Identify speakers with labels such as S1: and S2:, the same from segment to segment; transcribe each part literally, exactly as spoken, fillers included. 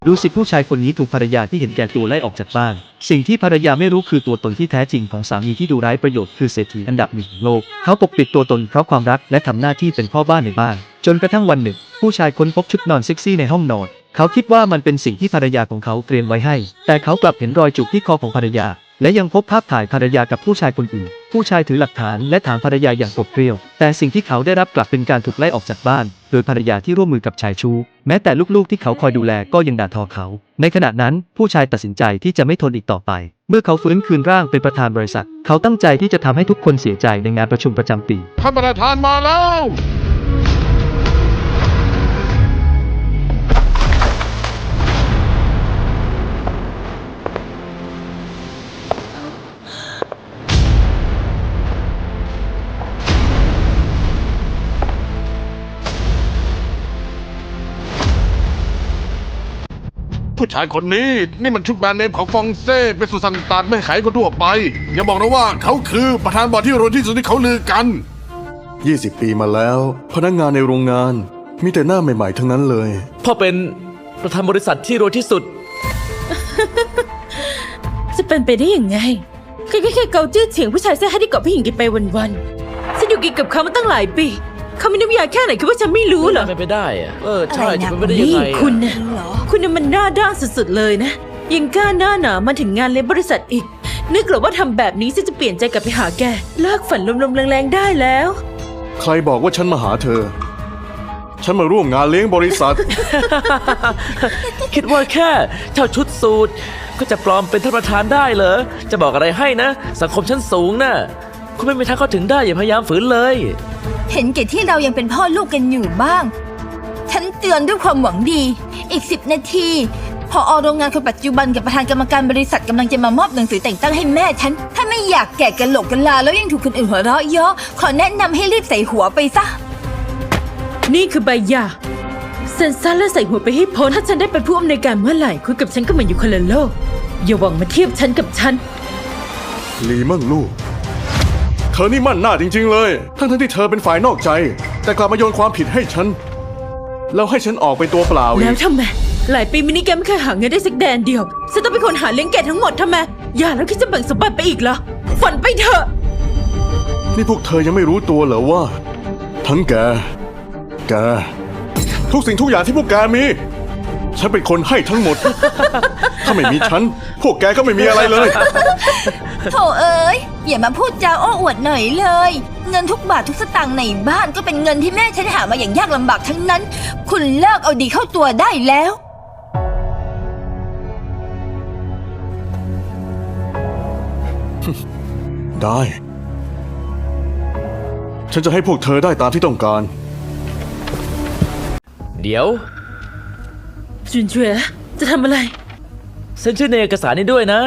S1: ดูสิผู้ชายคนนี้ถูกภรรยาที่เห็นแก่ตัวไล่ออกจากบ้านสิ่งที่ภรรยาไม่รู้คือตัวตนที่แท้จริงของสามีที่ดูไร้ประโยชน์คือเศรษฐีอันดับหนึ่งของโลกเขาปกปิดตัวตนเพราะความรักและทำหน้าที่เป็นพ่อบ้านในบ้านจนกระทั่งวันหนึ่งผู้ชายค้นพบชุดนอนเซ็กซี่ในห้องนอนเขาคิดว่ามันเป็นสิ่งที่ภรรยาของเขาเตรียมไว้ให้แต่เขากลับเห็นรอยจุกที่คอของภรรยาและยังพบภาพถ่ายภรรยากับผู้ชายคนอื่นผู้ชายถือหลักฐานและถามภรรยาอย่างโกรธเกรี้ยวแต่สิ่งที่เขาได้รับกลับเป็นการถูกไล่ออกจากบ้านโดยภรรยาที่ร่วมมือกับชายชู้แม้แต่ลูกๆที่เขาคอยดูแลก็ยังด่าทอเขาในขณะนั้นผู้ชายตัดสินใจที่จะไม่ทนอีกต่อไปเมื่อเขาฟื้นคืนร่างเป็นประธานบริษัทเขาตั้งใจที่จะทำให้ทุกคนเสียใจในงานประชุมประจำปี
S2: ท่านประธานมาแล้วผู้ชายคนนี้นี่มันชุดแบรนด์เนมของฟองเซ่เป็นสุสันตานไม่ขายคนทั่วไปอย่าบอกนะว่าเขาคือประธานบอร์ดที่รวยที่สุดที่เขาลือกัน
S3: ยี่สิบปีมาแล้วพนักงานในโรงงานมีแต่หน้าใหม่ๆทั้งนั้นเลย
S4: พ่อเป็นประธานบริษัทที่รวยที่สุด
S5: จะเป็นไปได้ยังไงแค่แค่แค่เกาจื้อเฉียงผู้ชายเสื้อให้ที่เกาะผู้หญิงกินไปวันๆฉันอยู่กินกับเขามาตั้งหลายปีเขามีน้ำยาแค่ไหนคิดว่าฉันไม่รู้เหรอ
S4: ไม่ไปได้อะเออใช่จะเป็นไปได้ยังไง
S5: คุณนะคุณน่ะมันหน้าด้านสุดๆเลยนะยังกล้าหน้าหนามาถึงงานเลี้ยงบริษัทอีกนึกเหรอว่าทำแบบนี้ฉันจะเปลี่ยนใจกลับไปหาแกเลิกฝันลมๆแรงๆได้แล้ว
S3: ใครบอกว่าฉันมาหาเธอฉันมาร่วมงานเลี้ยงบริษัท
S4: คิดว่าแค่เช่าชุดสูทก็จะปลอมเป็นท่านประธานได้เหรอจะบอกอะไรให้นะสังคมชั้นสูงน่ะคุณไม่มีทางเข้าถึงได้อย่าพยายามฝืนเลย
S6: เห็นแก่ที่เรายังเป็นพ่อลูกกันอยู่บ้างฉันเตือนด้วยความหวังดีอีกสิบนาทีพอโรงงานคนปัจจุบันกับประธานกรรมการบริษัทกำลังจะมามอบหนังสือแต่งตั้งให้แม่ฉันถ้าไม่อยากแก่กันโหลกกันลาแล้วยังถูกคนอื่นหัวเราะเยาะขอแนะนำให้รีบใส่หัวไปซะ
S5: นี่คือใบหย่าเซ็นซะและใส่หัวไปให้พ้นถ้าฉันได้เป็นผู้อำนวยการเมื่อไหร่คุณกับฉันก็เหมือนอยู่คนละโลกอย่าหวังมาเทียบฉันกับฉัน
S3: หลีเมิ่งลู่เธอนี่มั่นหน้าจริงๆเลยทั้งทั้งที่เธอเป็นฝ่ายนอกใจแต่กลับมาโยนความผิดให้ฉันแล้วให้ฉันออกไปตัวเปล่าอีก
S5: แล้วทำไมหลายปีมินิแกไม่เคยหาเงินได้สักแดนเดียวฉันต้องเป็นคนหาเลี้ยงแกทั้งหมดทำไมอย่าแล้วคิดจะแบ่งสมบัติไปอีกเหรอฝันไปเถอะ
S3: นี่พวกเธอยังไม่รู้ตัวเหรอว่าทั้งแกแกทุกสิ่งทุกอย่างที่พวกแกมีฉันเป็นคนให้ทั้งหมด ถ้าไม่มีฉันพวกแกก็ไม่มีอะไรเลย
S6: โธ่เอ๋ยอย่ามาพูดจาโอ้อวดหน่อยเลยเงินทุกบาททุกสตางค์ในบ้านก็เป็นเงินที่แม่ฉันหามาอย่างยากลำบากทั้งนั้นคุณเลิกเอาดีเข้าตัวได้แล้ว
S3: ได้ฉันจะให้พวกเธอได้ตามที่ต้องการ
S4: เดี๋ยว
S5: จุนเจ๋อจะทำอะไร
S4: เซ็นชื่อในเอกสารนี้ด้วยนะ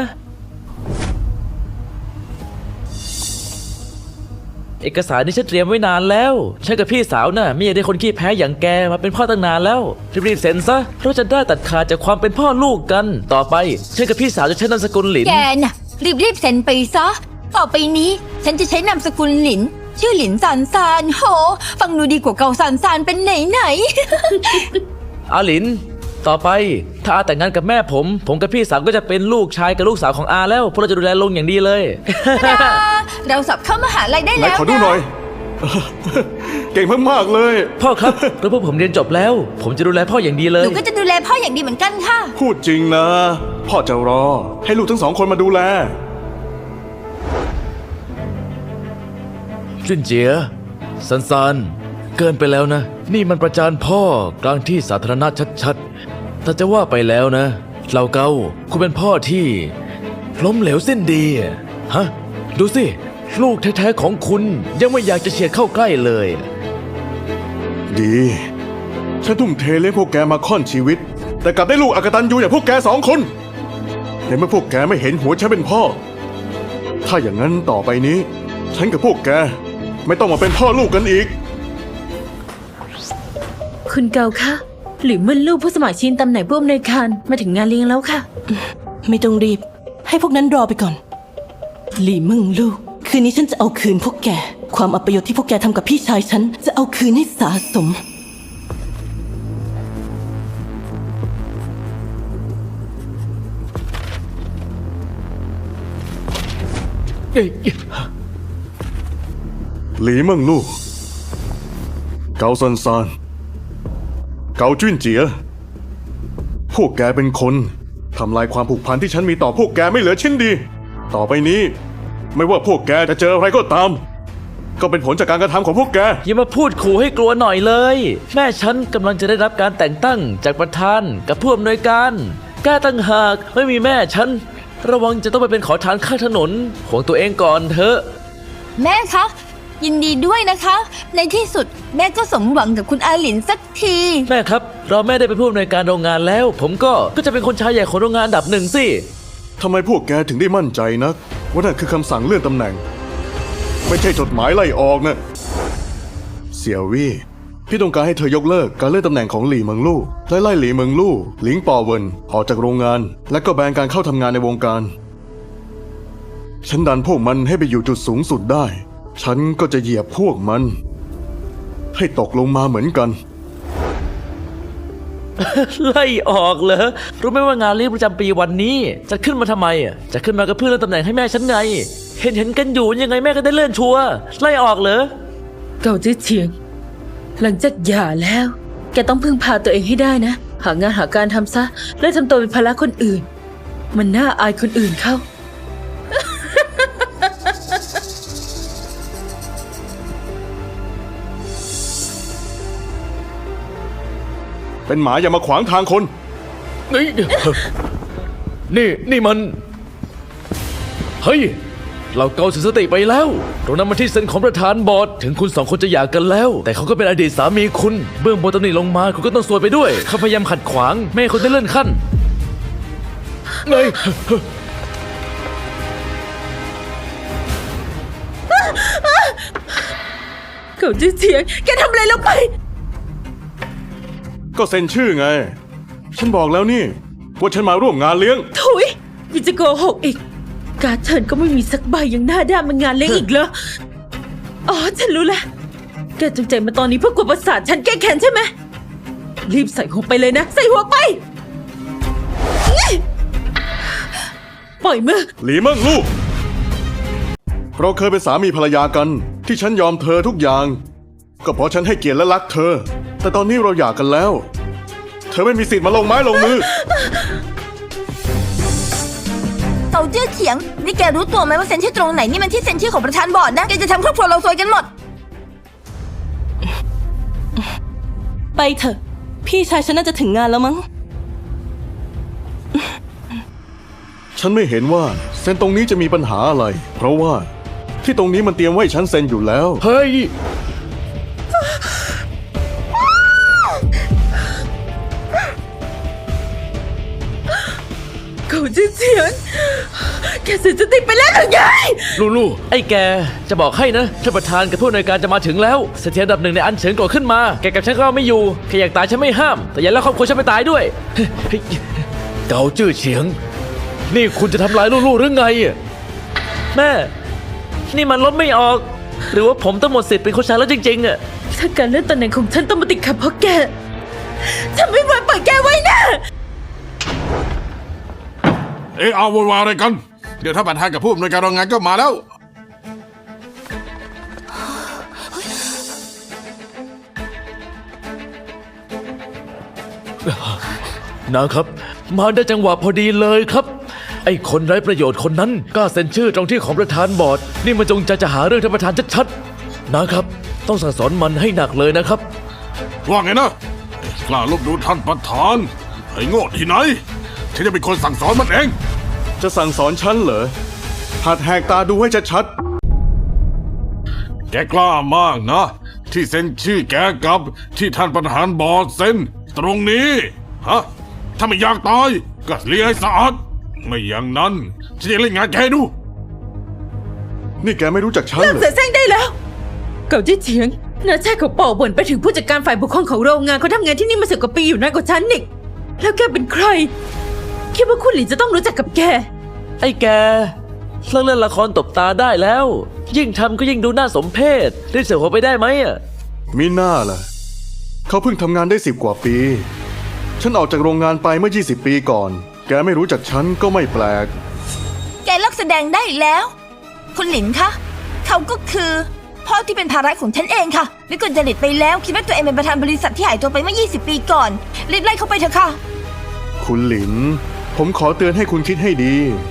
S4: เอกสารนี้ฉันเตรียมไว้นานแล้วฉันกับพี่สาวน่ะไม่อยากได้คนขี้แพ้อย่างแกมาเป็นพ่อตั้งนานแล้วรีบๆเซ็นซะเราจะได้ตัดขาดจากความเป็นพ่อลูกกันต่อไปฉันกับพี่สาวจะใช้นามสกุลหลิน
S6: แกน่ะรีบๆเซ็นไปซะต่อไปนี้ฉันจะใช้นามสกุลหลินชื่อหลินซานซานโหฟังดูดีกว่าเกาซานซานเป็นไหนไหน
S4: อาหลินต่อไปถ้าอาแต่งงานกับแม่ผมผมกับพี่สาวก็จะเป็นลูกชายกับลูกสาวของอาแล้วพวกเราจะดูแลลงอย่างดีเลย
S6: เราสอบเข้ามหาลัยได้แล้ว
S3: ขอดูหน่อยเก่งมากๆเลย
S4: พ่อครับแล้วพวกผมเรียนจบแล้วผมจะดูแลพ่ออย่างดีเลย
S6: หนูก็จะดูแลพ่ออย่างดีเหมือนกันค่ะ
S3: พูดจริงนะพ่อจะรอให้ลูกทั้งสองคนมาดูแล
S4: จุนเจียซันซานเกินไปแล้วนะนี่มันประจานพ่อกลางที่สาธารณะชัดๆแต่จะว่าไปแล้วนะเหล่าเกาคุณเป็นพ่อที่ล้มเหลวสิ้นดีฮะดูสิลูกแท้ๆของคุณยังไม่อยากจะเฉียดเข้าใกล้เลย
S3: ดีฉันทุ่มเทเลี้ยงพวกแกมาค่อนชีวิตแต่กลับได้ลูกอกตัญญูอย่างพวกแกสองคนแต่เมื่อพวกแกไม่เห็นหัวฉันเป็นพ่อถ้าอย่างนั้นต่อไปนี้ฉันกับพวกแกไม่ต้องมาเป็นพ่อลูกกันอีก
S5: คุณเกาคะหรือเมื่อลูกผู้สมัครชิงตำแหน่งผู้อำนวยการมาถึงงานเลี้ยงแล้วค่ะ
S7: ไม่ต้องรีบให้พวกนั้นรอไปก่อนหลี่มึงลูกคืนนี้ฉันจะเอาคืนพวกแกความอัปยศที่พวกแกทำกับพี่ชายฉันจะเอาคืนให้สะสม
S4: เอ้ย
S3: หลีเมิงลู่ เกาซันซาน เกาจุ้นเจีย พวกแกเป็นคนทำลายความผูกพันที่ฉันมีต่อพวกแกไม่เหลือชิ้นดี ต่อไปนี้ ไม่ว่าพวกแกจะเจออะไรก็ตาม ก็เป็นผลจากการกระทำของพวกแก
S4: อย่ามาพูดขู่ให้กลัวหน่อยเลย แม่ฉันกำลังจะได้รับการแต่งตั้งจากประธานกับผู้อำนวยการแกตั้งหากไม่มีแม่ฉัน ระวังจะต้องไปเป็นขอทานข้างถนนของตัวเองก่อนเถอะ
S6: แม่คะ ยินดีด้วยนะคะ ในที่สุดแม่ก็สมหวังกับคุณอาหลินสักที
S4: แม่ครับ เราแม่ได้เป็นผู้อำนวยการโรงงานแล้ว ผมก็ก็จะเป็นคนชายใหญ่ของโรงงานอันดับหนึ่งสิ
S3: ทำไมพวกแกถึงได้มั่นใจนักว่านั่นคือคำสั่งเลื่อนตำแหน่ง ไม่ใช่จดหมายไล่ออกนะเสี่ยววี่พี่ต้องการให้เธอยกเลิกการเลื่อนตำแหน่งของหลี่เมิงลู่และไล่หลี่เมิงลู่หลิงปอเวินออกจากโรงงาน และก็แบนการเข้าทำงานในวงการ ฉันดันพวกมันให้ไปอยู่จุดสูงสุดได้ ฉันก็จะเหยียบพวกมัน ให้ตกลงมาเหมือนกัน
S4: ไล่ออกเหรอรู้ไหมว่างานเลี้ยงประจำปีวันนี้จะขึ้นมาทำไมอ่ะจะขึ้นมาก็เพื่อเลื่อนตำแหน่งให้แม่ฉันไง เห็นเห็นกันอยู่ยังไงแม่ก็ได้เลื่อนชัวร์ไล่ออกเหรอ
S5: เก่าจื้อเฉียง หลังจากหย่าแล้ว แกต้องพึ่งพาตัวเองให้ได้นะ หางานหาการทำซะ และทำตัวเป็นภาระคนอื่น มันน่าอายคนอื่นเข้า
S3: เป็นหมาอย่ามาขวางทางคน
S4: นี่นี่นี่มัน เฮ้ย เราเกาเสียสติไปแล้วตรงนั้นมันที่เซ็นของประธานบอร์ดถึงคุณสองคนจะหย่ากันแล้ว แต่เขาก็เป็นอดีตสามีคุณ เบื้องบนตำหนิลงมาคุณก็ต้องซวยไปด้วย เขาพยายามขัดขวางไม่ให้คุณได้เลื่อนขั้นเงย
S5: เก่าจื้อเฉียง แกทำอะไรลงไป
S3: ก็เซ็นชื่อไง ฉันบอกแล้วนี่ว่าฉันมาร่วมงานเลี้ยง
S5: ถุยยังจะโกหกอีก การดเชิญก็ไม่มีสักใบยังหน้าด้านมางานเลี้ยงอีกเหรอ อ๋อ ฉันรู้แล้ว แกจงใจมาตอนนี้เพื่อกวนประสาทฉันแก้แค้นใช่ไหม รีบใส่หัวไปเลยนะ ใส่หัวไปนี่ปล่อยมือ
S3: หลีเมิ่งลู่ เราเคยเป็นสามีภรรยากัน ที่ฉันยอมเธอทุกอย่าง ก็เพราะฉันให้เกียรติและรักเธอ แต่ตอนนี้เราหย่ากันแล้ว เธอไม่มีสิทธิ์มาลงไม้ลงมือ
S6: เกาจื้อเฉียง นี่แกรู้ตัวไหมว่าเซ็นชื่อตรงไหนนี่มันที่เซ็นชื่อของประธานบอร์ดนะ แกจะทำครอบครัวเราซวยกันหมด
S7: ไปเถอะ พี่ชายฉันน่าจะถึงงานแล้วมั้ง
S3: ฉันไม่เห็นว่าเซ็นตรงนี้จะมีปัญหาอะไร เพราะว่าที่ตรงนี้มันเตรียมไว้ให้ฉันเซ็นอยู่แล้ว
S4: เฮ้ย
S5: เก่าจื้อเฉียง แกเสียสติไปแล้วหรือไง
S4: ลูลูไอ้แกจะบอกให้นะท่านประธานกับผู้อำนวยการจะมาถึงแล้วเสถียรอันดับหนึ่งในอันเฉินก่อขึ้นมาแกกับฉันก็ไม่อยู่แค่อยากตายฉันไม่ห้าม แต่อย่าแล้วครอบครัวฉันไปตายด้วย เกาจื้อเฉียง นี่คุณจะทำลายลูลูหรือไงอะแม่ นี่มันลบไม่ออก หรือว่าผมต้องหมดสิทธิ์เป็นคนชายแล้วจริงๆอะ
S5: ถ้าการเลื่อนตำแหน่งของฉันต้องมาติดขัดเพราะแก ฉันไม่ไหวปล่อยแกไว้นะ
S2: เอะเอาโวยวายอะไรกัน เดี๋ยวถ้าประธานกับผู้อำนวยการโรงงานก็มาแล้ว
S4: นะครับ มาได้จังหวะพอดีเลยครับ ไอ้คนไร้ประโยชน์คนนั้นกล้าเซ็นชื่อตรงที่ของประธานบอร์ดนี่มันจงใจจะหาเรื่องท่านประธานชัดๆนะครับ ต้องสั่งสอนมันให้หนักเลยนะครับ
S2: ว่าไงนะ กล้าลบดูท่านประธาน ไอ้โง่ที่ไหน ฉันจะเป็นคนสั่งสอนมันเอง
S3: จะสั่งสอนฉันเหรอ หัดแหกตาดูให้ชัด
S2: แกกล้ามากนะ ที่เซ็นชื่อแกกับที่ท่านประธานบอร์ดเซ็นตรงนี้ฮะถ้าไม่อยากตายก็เลี้ยให้สะอาดไม่อย่างนั้นฉันจะเล่นงานแกให้ดู
S3: ๆ นี่แกไม่รู้จักฉัน
S5: เลิก
S3: เหรอ
S5: เสียแซงได้แล้ว เก่าจี้เฉียงนาชาติเขาเป่าบ่นไปถึงผู้จัดการฝ่ายปกครองของโรงงานเขาทำงานที่นี่มาสิบกว่าปีอยู่นานกว่าฉันอีกแล้วแกเป็นใคร คิดว่าคุณหลินจะต้องรู้จักกับแก
S4: ไอ้แกเลิกเล่นละครตบตาได้แล้ว ยิ่งทำก็ยิ่งดูน่าสมเพชรีบเสียหัวไปได้ไหมอ่ะ
S3: มีหน้าล่ะ เขาเพิ่งทำงานได้สิบกว่าปี ฉันออกจากโรงงานไปเมื่อยี่สิบปีก่อน แกไม่รู้จักฉันก็ไม่แปลก
S6: แกเลิกแสดงได้แล้วคุณหลินคะเขาก็คือพ่อที่เป็นภาระของฉันเองค่ะวิกลจริตไปแล้วคิดว่าตัวเองเป็นประธานบริษัทที่หายตัวไปเมื่อ ยี่สิบ ปีก่อนรีบไล่เขาไปเถอะค่ะ
S3: คุณหลิน ผมขอเตือนให้คุณคิดให้ดี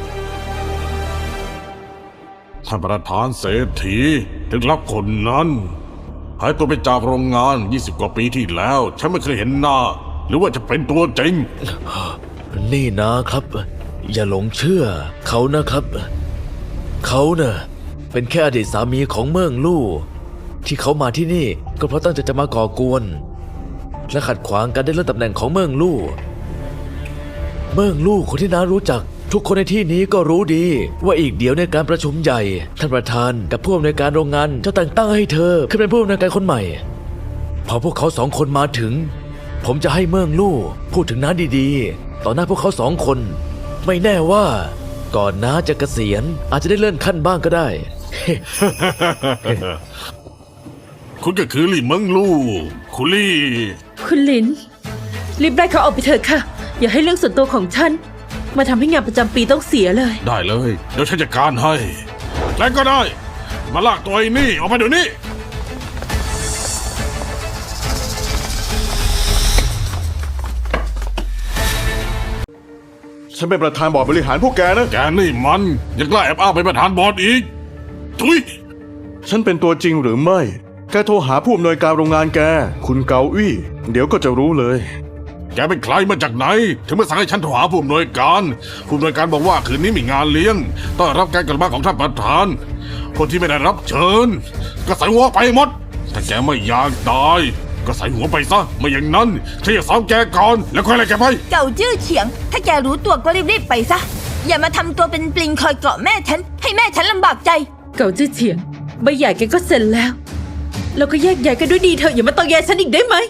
S2: ท่านประธานเศรษฐีถึงรับคนนั้นหายตัวไปจากโรงงาน ยี่สิบ กว่าปีที่แล้ว ฉันไม่เคยเห็นหน้า หรือว่าจะเป็นตัวจริง
S4: นี่นะครับ อย่าหลงเชื่อเขานะครับ เขาเน่ะเป็นแค่อดีตสามีของเมืองลู่ที่เขามาที่นี่ก็เพราะตั้งใจจะมาก่อกวน และขัดขวางการได้เลื่อนตำแหน่งของเมืองลู่เมืองลู่คนที่น้ารู้จัก ทุกคนในที่นี้ก็รู้ดี ว่าอีกเดี๋ยวในการประชุมใหญ่ท่านประธานกับผู้อำนวยการโรงงานจะแต่งตั้งให้เธอขึ้นเป็นผู้อำนวยการคนใหม่ พอพวกเขาสองคนมาถึง ผมจะให้เมืองลู่พูดถึงน้าดีๆต่อหน้าพวกเขาสองคน ไม่แน่ว่าก่อนน้าจะเกษียณอาจจะได้เลื่อนขั้นบ้างก็ได้
S2: คุณก็คือลี่เมิงลู่คุณลี่
S5: คุณหลิน รีบไล่เขาออกไปเถอะค่ะ อย่าให้เรื่องส่วนตัวของฉัน มาทำให้งานประจำปีต้องเสียเลย
S2: ได้เลย เดี๋ยวฉันจัดการให้แล้วก็ได้ มาลากตัวไอ้นี่ออกมาเดี๋ยวนี้
S3: ฉันเป็นประธานบอร์ดบริหารพวกแกนะ
S2: แกนี่มันยังกล้าแอบอ้างเป็นประธานบอร์ดอีกทุย
S3: ฉันเป็นตัวจริงหรือไม่ แกโทรหาผู้อำนวยการโรงงานแก คุณเกาอี้ เดี๋ยวก็จะรู้เลย
S2: แกเป็นใครมาจากไหน ถึงมาสั่งให้ฉันโทรหาผู้อำนวยการ ผู้อำนวยการบอกว่าคืนนี้มีงานเลี้ยงต้อนรับการกลับมาของท่านประธาน คนที่ไม่ได้รับเชิญ ก็ใส่หัวไปหมด ถ้าแกไม่อยากตาย ก็ใส่หัวไปซะ ไม่อย่างนั้นฉันจะซ้อมแกก่อนแล้วค่อยไล่แกไป
S6: เก่าจื้อเฉียง ถ้าแกรู้ตัวก็รีบๆไปซะ อย่ามาทำตัวเป็นปลิงคอยเกาะแม่ฉัน ให้แม่ฉันลำบากใจ
S5: เก่าจื้อเฉียงใบใหญ่แกก็เซ็นแล้ว แล้วก็แยกย้ายกันด้วยดีเถอะอย่ามาตอแยฉันอีกได้ไหม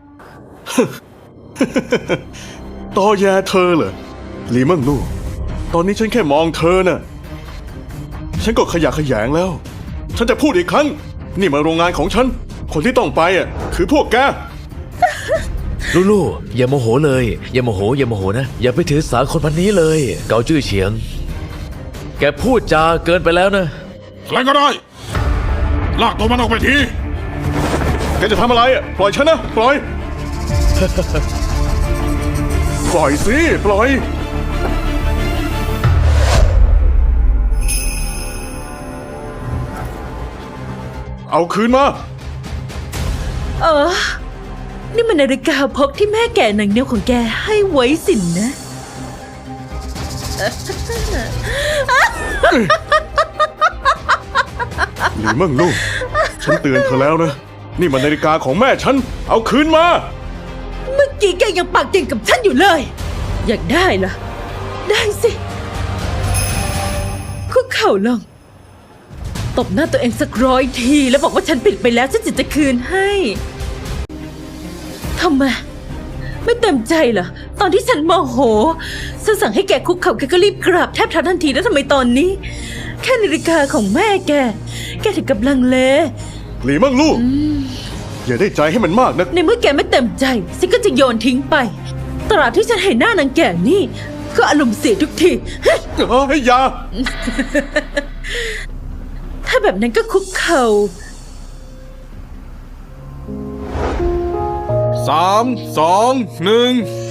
S3: ตอแยเธอเหรอหลีเมิ่งลู่ ตอนนี้ฉันแค่มองเธอน่ะ ฉันก็ขยะแขยงแล้ว ฉันจะพูดอีกครั้ง นี่มาโรงงานของฉัน คนที่ต้องไปอ่ะคือพวกแก
S4: ลูลูอย่าโมโหเลย อย่าโมโหอย่าโมโหนะ อย่าไปถือสาคนพันนี้เลย เกาจื้อเฉียง แกพูดจาเกินไปแล้วนะ
S2: ใครก็ได้ ลากตัวมันออกไปที
S3: แกจะทำอะไรอ่ะ ปล่อยฉันนะ ปล่อย ปล่อยสิ ปล่อย เอาคืนมา
S5: เออ นี่มันนาฬิกาพกที่แม่แก่หนังเหนียวของแกให้ไว้สินนะ
S3: หลีเมิ่งลู่ ฉันเตือนเธอแล้วนะ นี่มันนาฬิกาของแม่ฉัน เอาคืนมา
S5: เมื่อกี้แกยังปากเก่งกับฉันอยู่เลย อยากได้เหรอ ได้สิ คุกเข่าลง ตบหน้าตัวเองสักร้อยทีแล้วบอกว่าฉันผิดไปแล้วฉันจะจะคืนให้ทำไม ไม่เต็มใจเหรอ ตอนที่ฉันโมโหฉันสั่งให้แกคุกเข่าแกก็รีบกราบแทบเท้าทันทีแล้วทำไมตอนนี้ แค่นาฬิกาของแม่แก แกถึงกับลังเล
S3: หลีเมิ่งลู่ อย่าได้ใจให้มันมากนะ
S5: ในเมื่อแกไม่เต็มใจฉันก็จะโยนทิ้งไป ตราบที่ฉันเห็นหน้านางแก่นี่ ก็อารมณ์เสียทุกที
S3: เฮ้ยอยา
S5: ถ้าแบบนั้นก็คุกเข่า
S2: สาม สอง หนึ่ง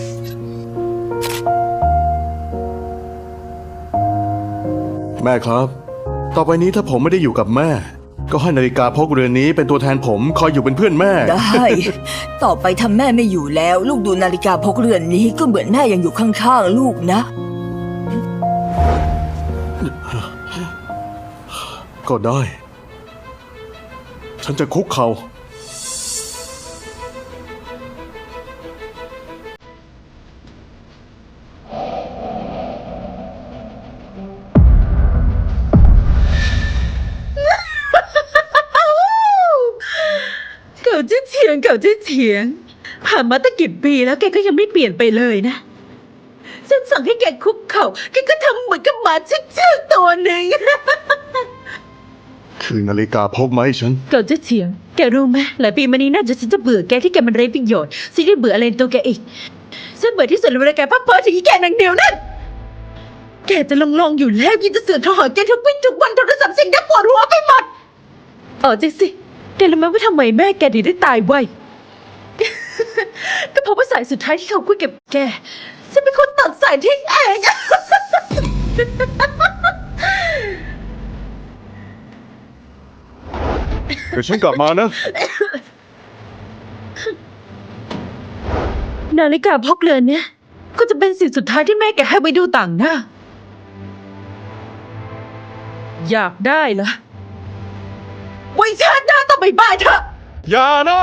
S3: แม่ครับ ต่อไปนี้ถ้าผมไม่ได้อยู่กับแม่ ก็ให้นาฬิกาพกเรือนนี้เป็นตัวแทนผมคอยอยู่เป็นเพื่อนแม่
S6: ได้ ต่อไปทำแม่ไม่อยู่แล้ว ลูกดูนาฬิกาพกเรือนนี้ก็เหมือนแม่ยังอยู่ข้างๆลูกนะ
S3: ก็ได้ ฉันจะคุกเขา่า
S5: เก่าจะเถียงเก่าจะเถียง ผ่านมาตั้งกี่ปีแล้วแกก็ยังไม่เปลี่ยนไปเลยนะ ฉันสั่งให้แกคุกเข่าแกก็ทำเหมือนกับหมาชื่อๆตัวหนึ่ง
S3: คือนาฬิกาพกไหมาให้ฉัน
S5: เก่าจะเถียง แกรู้ไหมหลายปีมานี้น่าจะฉันจะเบื่อแกที่แกมันไร้ประโยชน์ฉันได้เบื่ออะไรในตัวแกอีก ฉันเบื่อที่สุดเลยเวลาแกพักเพ้อถึงอีแกนางเดียวนั่นแกจะลองลองๆอยู่แล้วยิ่งจะเสือกโทรหาแกทุกวี่ทุกวันโทรศัพท์เสียงดังปวดหัวไปหมดเออจริงสิแกรู้ไหมว่าทำไมแม่แกถึงได้ตายไว ก็เพราะว่าสายสุดท้ายที่เขาคุยกับแกฉันเป็นคนตัดสายทิ้งเอง
S3: เดี๋ยวฉันกลับมานะ
S5: นาฬิกาพกเรือนเนี่ยก็จะเป็นสิ่งสุดท้ายที่แม่แกให้ไปดูต่างหน้า อยากได้เหรอไว้ชาติหน้าต้องไปบ้านเถอะ
S3: อย่านะ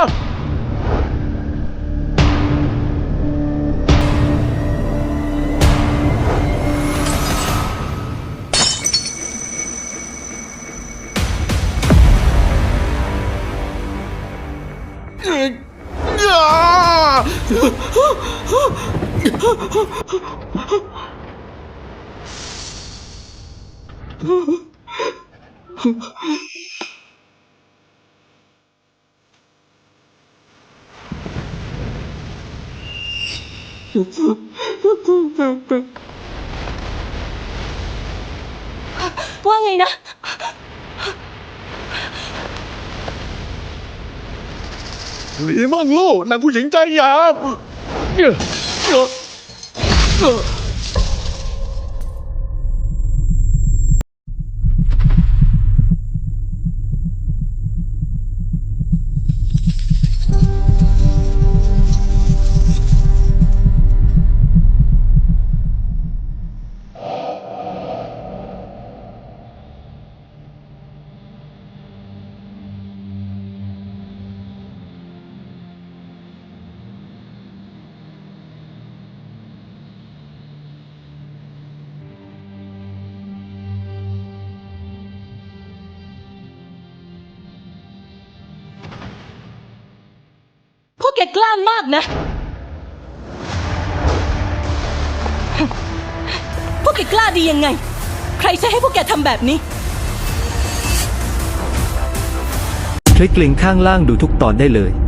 S7: ว่าไงนะ
S3: หลีมั่งลู่นางผู้หญิงใจหยาบ
S7: พวกแกกล้ามากนะ พวกแกกล้าดียังไง ใครใช้ให้พวกแกทำแบบนี้
S1: คลิกลิงก์ข้างล่างดูทุกตอนได้เลย